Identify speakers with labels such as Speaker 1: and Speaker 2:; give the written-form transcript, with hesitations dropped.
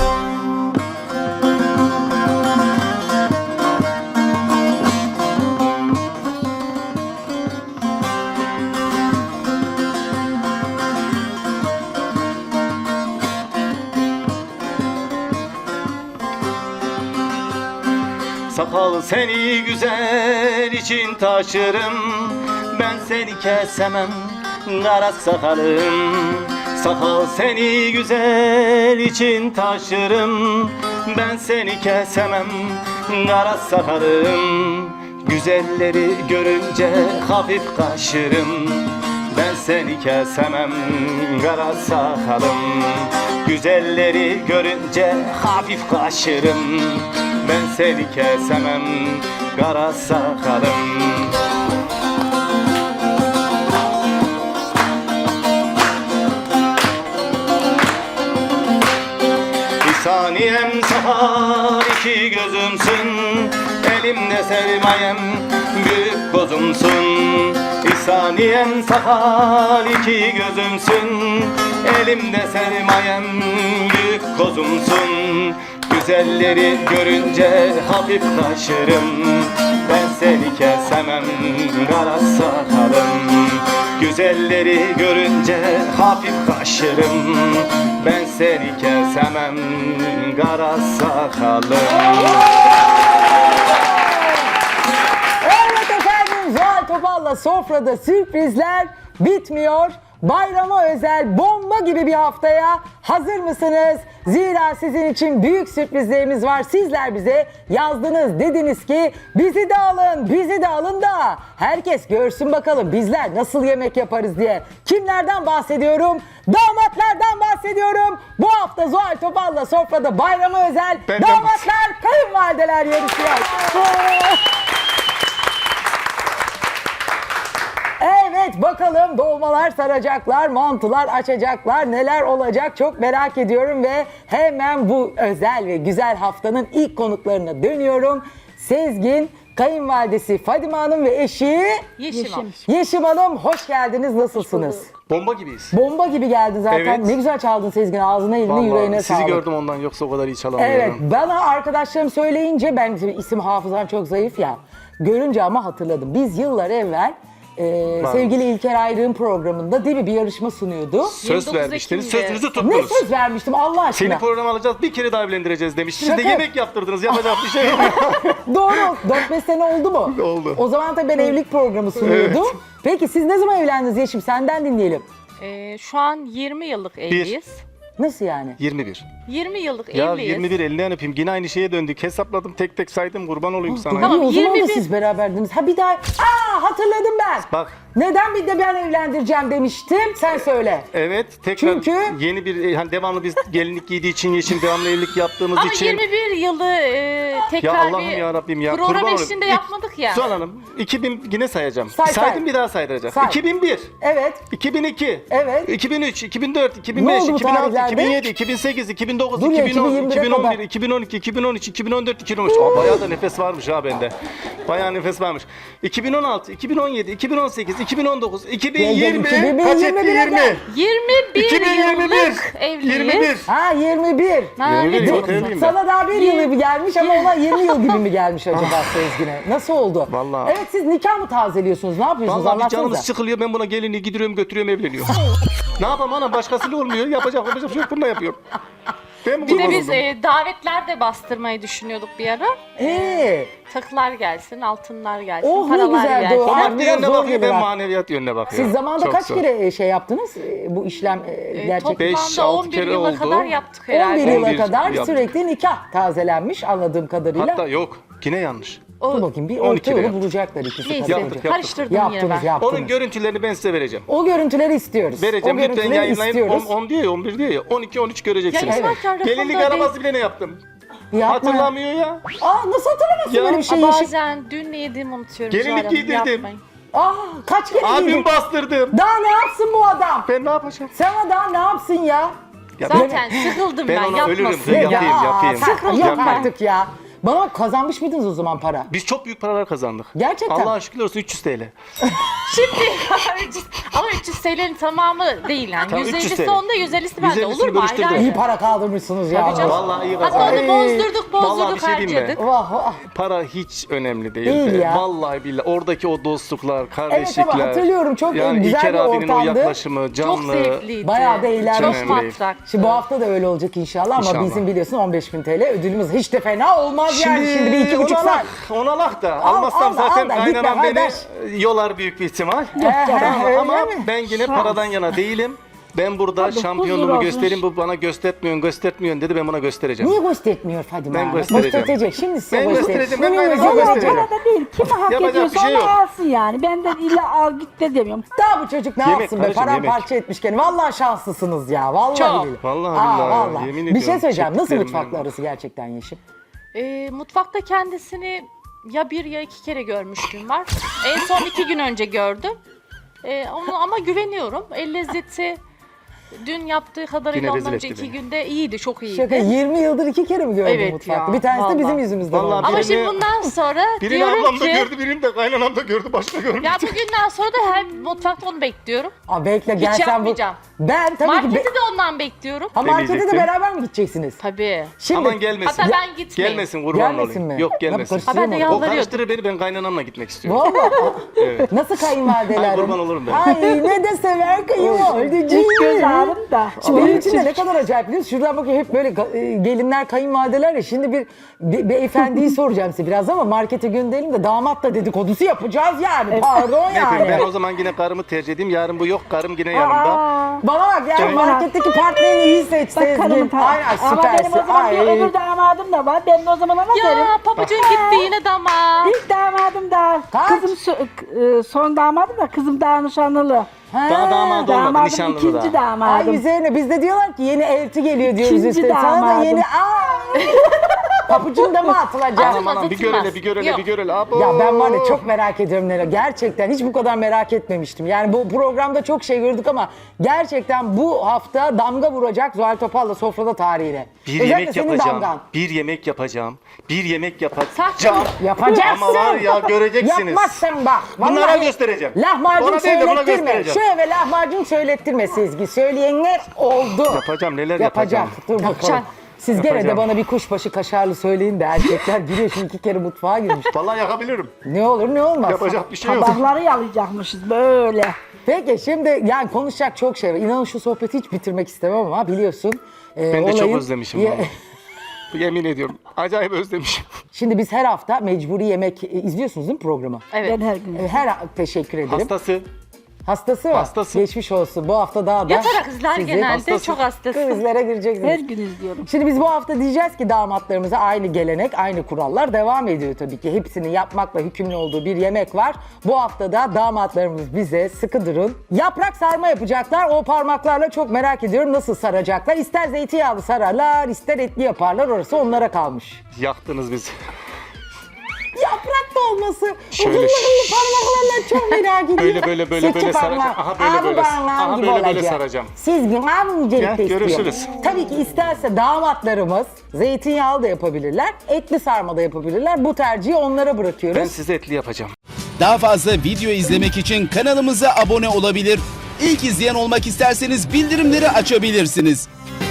Speaker 1: Sakal seni güzel için taşırım, ben seni kesemem kara sakalım. Sakal seni güzel için taşırım, ben seni kesemem kara sakalım. Güzelleri görünce hafif kaşırım, ben seni kesemem kara sakalım. Güzelleri görünce hafif kaşırım, ben seni kesemem kara sakalım. Bir saniyem sakal iki gözümsün, elimde sermayem büyük kozumsun. Bir saniyem sakal iki gözümsün, elimde sermayem büyük kozumsun. Güzelleri görünce hafif kaşırım, ben seni kesemem kara sakalım. Güzelleri görünce hafif kaşırım, ben seni kesemem kara sakalım.
Speaker 2: Evet efendim, Zuhal Topal'la sofrada sürprizler bitmiyor. Bayrama özel bomba gibi bir haftaya hazır mısınız? Zira sizin için büyük sürprizlerimiz var. Sizler bize yazdınız, dediniz ki bizi de alın, bizi de alın da herkes görsün bakalım bizler nasıl yemek yaparız diye. Kimlerden bahsediyorum? Damatlardan bahsediyorum. Bu hafta Zuhal Topal'la sofrada bayrama özel damatlar, kayınvalideler yarışıyor. Evet, bakalım dolmalar saracaklar, mantılar açacaklar, neler olacak çok merak ediyorum ve hemen bu özel ve güzel haftanın ilk konuklarına dönüyorum. Sezgin, kayınvalidesi Fadime Hanım ve eşi Yeşim Hanım, hoş geldiniz, nasılsınız?
Speaker 1: Bomba gibiyiz.
Speaker 2: Bomba gibi geldin zaten.
Speaker 1: Evet.
Speaker 2: Ne güzel çaldın Sezgin, ağzına eline yüreğine sağlık.
Speaker 1: Sizi gördüm ondan, yoksa o kadar iyi çalamıyorum.
Speaker 2: Evet, bana arkadaşlarım söyleyince, ben isim hafızam çok zayıf ya, görünce ama hatırladım. Biz yıllar evvel sevgili İlker Ayrık'ın programında değil mi bir yarışma sunuyordu.
Speaker 1: Söz vermiştiniz, sözünüzü
Speaker 2: Ne
Speaker 1: tuttunuz.
Speaker 2: söz vermiştim Allah aşkına?
Speaker 1: Seni programa alacağız, bir kere daha evlendireceğiz demiştiniz de
Speaker 2: Şaka.
Speaker 1: yemek yaptırdınız, yapacak bir şey yok.
Speaker 2: Doğru, 4-5 sene oldu mu?
Speaker 1: Oldu.
Speaker 2: O zaman tabii ben evlilik programı sunuyordum.
Speaker 1: Evet.
Speaker 2: Peki siz ne zaman evlendiniz Yeşim? Senden dinleyelim.
Speaker 3: Şu an 20 yıllık evliyiz.
Speaker 2: Nasıl yani?
Speaker 1: 21.
Speaker 3: 20 yıllık
Speaker 1: Ya
Speaker 3: evliyiz.
Speaker 1: 21 elinden öpeyim, yine aynı şeye döndük. Hesapladım, tek tek saydım, kurban olayım sana.
Speaker 2: Tamam, o zaman da
Speaker 3: 21.
Speaker 2: siz beraberdiniz. Ha bir daha, hatırladım ben.
Speaker 1: Bak.
Speaker 2: Neden bir de ben evlendireceğim demiştim, sen söyle.
Speaker 1: Evet, tekrar
Speaker 2: Çünkü-
Speaker 1: yeni bir, hani devamlı biz gelinlik giydiği için, Yeşim devamlı evlilik yaptığımız
Speaker 3: Ama
Speaker 1: için.
Speaker 3: 21 yılı
Speaker 1: Ya
Speaker 3: tekrar
Speaker 1: Allah'ım
Speaker 3: bir
Speaker 1: ya Rabbim ya.
Speaker 3: program
Speaker 1: kurban
Speaker 3: eşliğinde
Speaker 1: olayım.
Speaker 3: yapmadık ya.
Speaker 1: Suhan Hanım, 2000 yine sayacağım.
Speaker 2: Say,
Speaker 1: Saydım
Speaker 2: say.
Speaker 1: bir daha saydıracağım.
Speaker 2: Say.
Speaker 1: 2001,
Speaker 2: Evet.
Speaker 1: 2002,
Speaker 2: Evet.
Speaker 1: 2003, 2004,
Speaker 2: Ne
Speaker 1: 2005,
Speaker 2: oldu bu
Speaker 1: 2006,
Speaker 2: tarihlerde?
Speaker 1: 2007, 2008, 2009,
Speaker 2: Dur ya,
Speaker 1: 2010,
Speaker 2: 2021'e
Speaker 1: 2011,
Speaker 2: kadar.
Speaker 1: 2012, 2013, 2014, 2013. Aa, bayağı da nefes varmış ha bende. Bayağı nefes varmış. 2016, 2017, 2018, 2019, 2020. Kaç etti? 20.
Speaker 3: 21
Speaker 1: 2021.
Speaker 3: yıllık evliyiz.
Speaker 1: 21.
Speaker 2: Ha 21.
Speaker 3: Ha,
Speaker 1: 21
Speaker 3: ne
Speaker 1: yıl
Speaker 3: diyorsun?
Speaker 1: evliyim ben.
Speaker 2: Sana daha bir yılı bir gelmiş ama ona 20 yıl gibi mi gelmiş acaba Sezgin'e? Nasıl oldu?
Speaker 1: Vallahi.
Speaker 2: Evet, siz nikah mı tazeliyorsunuz? Ne yapıyorsunuz?
Speaker 1: Vallahi bir
Speaker 2: Anlatsanıza.
Speaker 1: canımız sıkılıyor, ben buna gelini gidiyorum götürüyorum evleniyor. Ne yapayım anam, başkasıyla olmuyor, yapacak bir şey yok, bununla yapıyorum. Ben mi
Speaker 3: Bir de
Speaker 1: kurban
Speaker 3: biz
Speaker 1: oldum?
Speaker 3: davetler de bastırmayı düşünüyorduk bir ara. Takılar gelsin, altınlar gelsin,
Speaker 2: Oh, ne
Speaker 3: paralar
Speaker 2: güzeldi
Speaker 3: gelsin.
Speaker 2: o.
Speaker 1: O
Speaker 2: Aa,
Speaker 1: maddi
Speaker 2: biraz
Speaker 1: yönüne
Speaker 2: zor
Speaker 1: bakıyor,
Speaker 2: gelir
Speaker 1: ben
Speaker 2: ha.
Speaker 1: maneviyat yönüne bakıyorum.
Speaker 2: Siz zamanında
Speaker 1: Çok
Speaker 2: kaç
Speaker 1: zor.
Speaker 2: kere şey yaptınız? Bu işlem gerçek.
Speaker 1: Beş,
Speaker 3: Toplamda
Speaker 1: altı
Speaker 3: 11
Speaker 1: kere
Speaker 3: yıla
Speaker 1: oldu.
Speaker 3: kadar yaptık herhalde.
Speaker 2: 11 yıla
Speaker 1: 11
Speaker 2: kadar
Speaker 1: yaptık.
Speaker 2: sürekli nikah tazelenmiş anladığım kadarıyla.
Speaker 1: Hatta yok, yine yanlış.
Speaker 2: Dur bakayım, bir
Speaker 1: 12
Speaker 2: orta yolu
Speaker 1: yaptık.
Speaker 2: bulacaklar ikisi.
Speaker 3: Neyse,
Speaker 1: Yaptık.
Speaker 3: karıştırdım yine ben.
Speaker 2: Yaptınız.
Speaker 1: Onun görüntülerini ben size vereceğim.
Speaker 2: O görüntüleri istiyoruz.
Speaker 1: Vereceğim,
Speaker 2: o
Speaker 1: lütfen
Speaker 2: görüntüleri
Speaker 1: yayınlayın.
Speaker 2: istiyoruz.
Speaker 1: 10 diyor ya, 11 diyor ya, 12, 13 göreceksiniz.
Speaker 3: Ya zaten
Speaker 1: Gelinlik
Speaker 3: rakamda
Speaker 1: arabası bile ne yaptım?
Speaker 2: Yapma.
Speaker 1: Hatırlamıyor ya.
Speaker 2: Nasıl hatırlamazsın
Speaker 1: Ya,
Speaker 2: böyle bir şeyi?
Speaker 3: Bazen dün ne yediğimi unutuyorum.
Speaker 1: Gelinlik
Speaker 3: Zuhal Hanım,
Speaker 1: giydirdim.
Speaker 3: yapmayın.
Speaker 2: Kaç kere
Speaker 1: Abim
Speaker 2: giydin?
Speaker 1: bastırdım.
Speaker 2: Daha ne yapsın bu adam?
Speaker 1: Ben ne yapacağım?
Speaker 2: Sana daha ne yapsın ya?
Speaker 1: Ya
Speaker 3: Zaten sıkıldım
Speaker 1: ben
Speaker 3: ben,
Speaker 1: ona ölürüm.
Speaker 3: yapmasın.
Speaker 1: Yapayım.
Speaker 2: Yok
Speaker 3: Sıkıldım
Speaker 2: artık
Speaker 3: ben.
Speaker 2: ya. Bana bak, kazanmış mıydınız o zaman para?
Speaker 1: Biz çok büyük paralar kazandık.
Speaker 2: Gerçekten.
Speaker 1: Allah'a şükürler olsun 300 TL.
Speaker 3: Şimdi 300 ama 300 TL'nin tamamı değil yani.
Speaker 1: Tamam, 300
Speaker 3: 150'si
Speaker 1: TL.
Speaker 3: onda, 150'si bende.
Speaker 1: 150'sini
Speaker 3: Olur mu?
Speaker 1: bölüştürdüm.
Speaker 3: Ayrı
Speaker 2: İyi
Speaker 3: ayrı.
Speaker 2: para kaldırmışsınız ya.
Speaker 3: Tabii canım.
Speaker 1: Vallahi iyi
Speaker 3: Hatta
Speaker 1: kazandık.
Speaker 3: onu bozdurduk,
Speaker 1: Vallahi bir şey diyeyim mi?
Speaker 3: harcadık.
Speaker 2: Vah vah.
Speaker 1: Para hiç önemli değil.
Speaker 2: Değil ya.
Speaker 1: Vallahi billahi oradaki o dostluklar,
Speaker 2: Evet
Speaker 1: kardeşlikler.
Speaker 2: ama hatırlıyorum, çok
Speaker 1: yani
Speaker 2: güzel
Speaker 1: İlker
Speaker 2: bir
Speaker 1: abinin o
Speaker 2: ortamdı.
Speaker 1: yaklaşımı,
Speaker 3: Çok
Speaker 1: canlı.
Speaker 3: zevkliydi.
Speaker 2: Bayağı da eğlenmiş.
Speaker 3: Çok
Speaker 1: Önemli.
Speaker 3: matraktı.
Speaker 2: Şimdi bu hafta da öyle olacak inşallah ama
Speaker 1: İnşallah.
Speaker 2: bizim biliyorsun 15.000 TL ödülümüz hiç de fena olmaz yani. Şimdi bir 2,5
Speaker 1: ona
Speaker 2: saat.
Speaker 1: lak, ona lak da.
Speaker 2: Al,
Speaker 1: Almazsam
Speaker 2: al da,
Speaker 1: zaten
Speaker 2: al da, gitme
Speaker 1: kaynanam beni
Speaker 2: kardeş.
Speaker 1: yolar büyük bir ihtimal.
Speaker 2: Tamam, öyle
Speaker 1: Ama
Speaker 2: mi?
Speaker 1: ben yine paradan yana değilim. Ben burada
Speaker 4: huzur
Speaker 1: şampiyonluğumu
Speaker 4: olsun.
Speaker 1: göstereyim. Bu bana göstermiyorsun dedi. Ben buna göstereceğim.
Speaker 2: Niye göstermiyor Fadime
Speaker 1: Ben
Speaker 2: Hanım?
Speaker 1: göstereceğim.
Speaker 2: Gösterecek. Şimdi size
Speaker 1: Ben
Speaker 2: göstereceğim.
Speaker 1: göstereceğim, ben
Speaker 2: Bunu
Speaker 1: kaynanama
Speaker 2: göstereceğim.
Speaker 1: göstereceğim.
Speaker 4: Para da değil. Kim hak
Speaker 1: Yapacak
Speaker 4: ediyorsa
Speaker 1: bir şey
Speaker 4: onu
Speaker 1: yok.
Speaker 4: alsın yani. Benden illa al git de demiyorum.
Speaker 2: Daha bu çocuk ne
Speaker 1: Yemek
Speaker 2: yapsın be?
Speaker 1: kardeşim,
Speaker 2: Paramparça etmiş kendini. Vallahi şanslısınız ya. Vallahi
Speaker 3: Çok.
Speaker 2: billahi.
Speaker 1: Vallahi billahi, yemin
Speaker 2: Bir şey
Speaker 1: ediyorum,
Speaker 2: söyleyeceğim. Nasıl
Speaker 1: çektiklerim
Speaker 2: mutfakla
Speaker 1: benim.
Speaker 2: arası gerçekten Yeşim?
Speaker 3: Mutfakta kendisini ya bir ya iki kere görmüşlüğüm var. En son 2 gün önce gördüm. Ama güveniyorum. El lezzeti dün yaptığı kadarıyla
Speaker 1: Yine
Speaker 3: ondan
Speaker 1: rezil
Speaker 3: önce
Speaker 1: etti
Speaker 3: 2
Speaker 1: beni.
Speaker 3: günde iyiydi, çok iyiydi.
Speaker 2: Şaka 20 yıldır 2 kere mi gördün
Speaker 3: Evet
Speaker 2: mutfakta?
Speaker 3: ya,
Speaker 2: Bir tanesi de
Speaker 3: vallahi.
Speaker 2: bizim yüzümüzden
Speaker 1: Vallahi
Speaker 2: oldu.
Speaker 3: Ama
Speaker 1: birini-
Speaker 3: şimdi bundan sonra
Speaker 1: Birini
Speaker 3: diyorum
Speaker 1: ablam da
Speaker 3: ki
Speaker 1: gördü, birini de kaynanam da gördü, başka görmedi.
Speaker 3: ya bugünden sonra da her mutfakta onu bekliyorum.
Speaker 2: Aa, bekle gel
Speaker 3: Hiç
Speaker 2: sen bu.
Speaker 3: yapmayacağım.
Speaker 2: Ben tabii
Speaker 3: Marketi
Speaker 2: ki...
Speaker 3: de ondan bekliyorum.
Speaker 2: Ha, markete de
Speaker 1: Demeyecektim.
Speaker 2: beraber mi gideceksiniz?
Speaker 3: Tabii.
Speaker 2: Şimdi...
Speaker 1: Aman gelmesin.
Speaker 3: Hatta ben gitmeyeyim.
Speaker 1: Gelmesin, kurban
Speaker 2: Gelmesin
Speaker 1: olayım.
Speaker 2: mi?
Speaker 1: Yok
Speaker 2: Nasıl
Speaker 1: gelmesin.
Speaker 2: karıştırıyor
Speaker 3: Ha, ben de
Speaker 2: mu?
Speaker 1: O
Speaker 3: yalvarıyordum.
Speaker 1: karıştırır beni, ben kaynanamla gitmek istiyorum.
Speaker 2: Vallahi. Nasıl kayınvalideler?
Speaker 1: Ay, kurban olurum ben.
Speaker 2: Ay ne de sever kayınvalideciğim.
Speaker 4: Hiç göz ağrım da.
Speaker 2: Şimdi benim için de ne kadar acayip biliyor musun? Şuradan bakıyor hep böyle gelinler, kayınvalideler ya. Şimdi bir beyefendiyi soracağım size biraz ama markete gönderelim de damatla dedikodusu yapacağız yani. Pardon
Speaker 1: Ne yapayım, ben
Speaker 2: yani.
Speaker 1: o zaman yine karımı tercih edeyim. Yarın bu yok, karım yine yanımda.
Speaker 4: Aa,
Speaker 2: Bana bak yani
Speaker 1: Evet.
Speaker 2: marketteki partnerini iyi seç
Speaker 4: bak
Speaker 2: Sezgin.
Speaker 4: karımın
Speaker 2: Aynen
Speaker 4: Ama benim o
Speaker 2: süpersin.
Speaker 4: zaman bir
Speaker 2: Ay.
Speaker 4: öbür damadım da var. Ben de o zaman ona derim.
Speaker 3: Ya pabucun gitti yine dama.
Speaker 4: İlk damadım da.
Speaker 2: Kaç?
Speaker 4: Kızım son damadım da kızım daha nişanlılı.
Speaker 2: Ha.
Speaker 1: Daha damadı olmadı,
Speaker 4: Damadım
Speaker 1: nişanlılı
Speaker 4: ikinci
Speaker 1: da.
Speaker 2: Ay
Speaker 4: damadım.
Speaker 2: üzerine biz de diyorlar ki yeni elti geliyor diyoruz
Speaker 4: İkinci
Speaker 2: üstüne. Sana da
Speaker 4: damadım.
Speaker 2: yeni papucun da mı atılacak?
Speaker 3: Ama-
Speaker 1: Aman bir
Speaker 3: Atılmaz.
Speaker 1: görele, bir görele,
Speaker 3: Yok.
Speaker 1: bir görele. Abo.
Speaker 2: Ya ben var ya çok merak ediyorum neler. Gerçekten hiç bu kadar merak etmemiştim. Yani bu programda çok şey gördük ama gerçekten bu hafta damga vuracak Zuhal Topal'la sofrada tarihine.
Speaker 1: Bir
Speaker 2: Özellikle
Speaker 1: yemek
Speaker 2: senin
Speaker 1: yapacağım.
Speaker 2: damgan.
Speaker 1: Bir yemek yapacağım. Bir yemek yapacağım.
Speaker 3: Saçma.
Speaker 2: Yapacaksın.
Speaker 1: Ama var ya, göreceksiniz.
Speaker 2: Yapmazsan bak.
Speaker 1: Bunlara
Speaker 2: vallahi
Speaker 1: göstereceğim.
Speaker 2: Lahmacun
Speaker 1: Ona değil de buna
Speaker 2: söylettirme.
Speaker 1: göstereceğim.
Speaker 2: Şu eve lahmacun söylettirme Sezgi. Söyleyenler oldu.
Speaker 1: Yapacağım, neler
Speaker 2: Yapacak.
Speaker 1: yapacağım.
Speaker 2: Dur bakalım.
Speaker 3: Yapacaksın.
Speaker 2: Siz gene de
Speaker 1: Yapacağım.
Speaker 2: bana bir kuşbaşı kaşarlı söyleyin de erkekler giriyor şimdi 2 kere mutfağa girmiş.
Speaker 1: Vallahi yakabilirim.
Speaker 2: Ne olur ne olmaz.
Speaker 1: Yapacak bir şey yok.
Speaker 4: Tabakları yalayacakmışız böyle.
Speaker 2: Peki şimdi yani konuşacak çok şey var. İnanın şu sohbeti hiç bitirmek istemem ama biliyorsun.
Speaker 1: Ben de çok
Speaker 2: olayın-
Speaker 1: özlemişim
Speaker 2: Ye-
Speaker 1: vallahi. Yemin ediyorum. Acayip özlemişim.
Speaker 2: Şimdi biz her hafta mecburi yemek izliyorsunuz değil mi programı?
Speaker 3: Evet.
Speaker 4: Ben her gün.
Speaker 2: Teşekkür ederim.
Speaker 1: Hastası.
Speaker 2: Hastası mı?
Speaker 1: Hastası.
Speaker 2: Geçmiş olsun. Bu hafta daha da
Speaker 3: Yatarak izler
Speaker 2: sizi
Speaker 3: genelde.
Speaker 1: hastası.
Speaker 3: Çok hastası.
Speaker 2: krizlere gireceksiniz.
Speaker 4: Her gün izliyorum.
Speaker 2: Şimdi biz bu hafta diyeceğiz ki damatlarımıza aynı gelenek, aynı kurallar devam ediyor tabii ki. Hepsinin yapmakla hükümlü olduğu bir yemek var. Bu hafta da damatlarımız bize sıkı durun. Yaprak sarma yapacaklar. O parmaklarla çok merak ediyorum nasıl saracaklar. İster zeytinyağlı sararlar, ister etli yaparlar. Orası onlara kalmış.
Speaker 1: Yaktınız bizi.
Speaker 2: Yaprak dolması.
Speaker 1: Şöyle
Speaker 2: Uzun parmaklarla çok merak ediyorum.
Speaker 1: böyle
Speaker 2: Sirke
Speaker 1: saracağım.
Speaker 2: parmağı.
Speaker 1: Aha, böyle
Speaker 2: Abi
Speaker 1: böyle.
Speaker 2: parmağım
Speaker 1: Aha,
Speaker 2: gibi
Speaker 1: böyle
Speaker 2: olacak.
Speaker 1: saracağım.
Speaker 2: Siz gün abi incelikte
Speaker 1: Gel,
Speaker 2: istiyor.
Speaker 1: görüşürüz.
Speaker 2: Tabii ki isterse damatlarımız zeytinyağlı da yapabilirler, etli sarma da yapabilirler. Bu tercihi onlara bırakıyoruz.
Speaker 1: Ben size etli yapacağım.
Speaker 5: Daha fazla video izlemek için kanalımıza abone olabilir. İlk izleyen olmak isterseniz bildirimleri açabilirsiniz.